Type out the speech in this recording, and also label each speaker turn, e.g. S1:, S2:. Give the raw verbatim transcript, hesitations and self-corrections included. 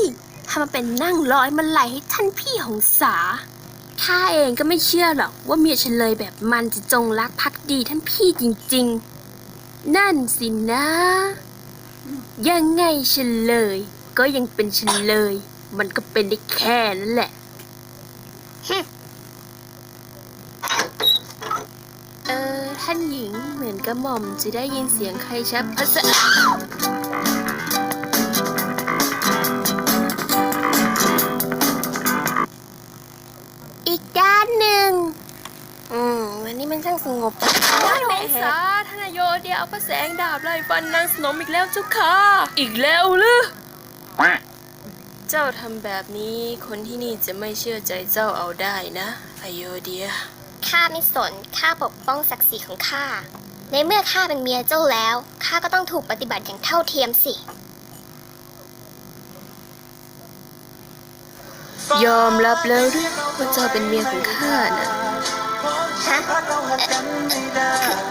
S1: ถ้ามาเป็นนั่งร้อยมาไหลให้ท่านพี่หงสาข้าเองก็ไม่เชื่อหรอกว่าเมียเฉลยแบบมันจะจงรักภักดีท่านพี่จริงๆนั่นสินะยังไงเฉลยก็ยังเป็นเฉลยมันก็เป็นได้แค่นั้นแหละเออท่านหญิงเหมือนกระหม่อมจะได้ยินเสียงใครชักภาษาอีกด้านหนึ่งอืมวันนี้มันช่างสงบได้ไหมสาธนโยเดียวเอาพระแสงดาบไล่ฟันนางสนมอีกแล้วเจ้าค่ะอีกแล้วหรือเจ้าทำแบบนี้คนที่นี่จะไม่เชื่อใจเจ้าเอาได้นะอโยเดียข้าไม่สนข้าปกป้องศักดิ์ศรีของข้าในเมื่อข้าเป็นเมียเจ้าแล้วข้าก็ต้องถูกปฏิบัติอย่างเท่าเทียมสิยอมรับแล้วหรือว่าเจ้าเป็นเมียของข้านะฮะ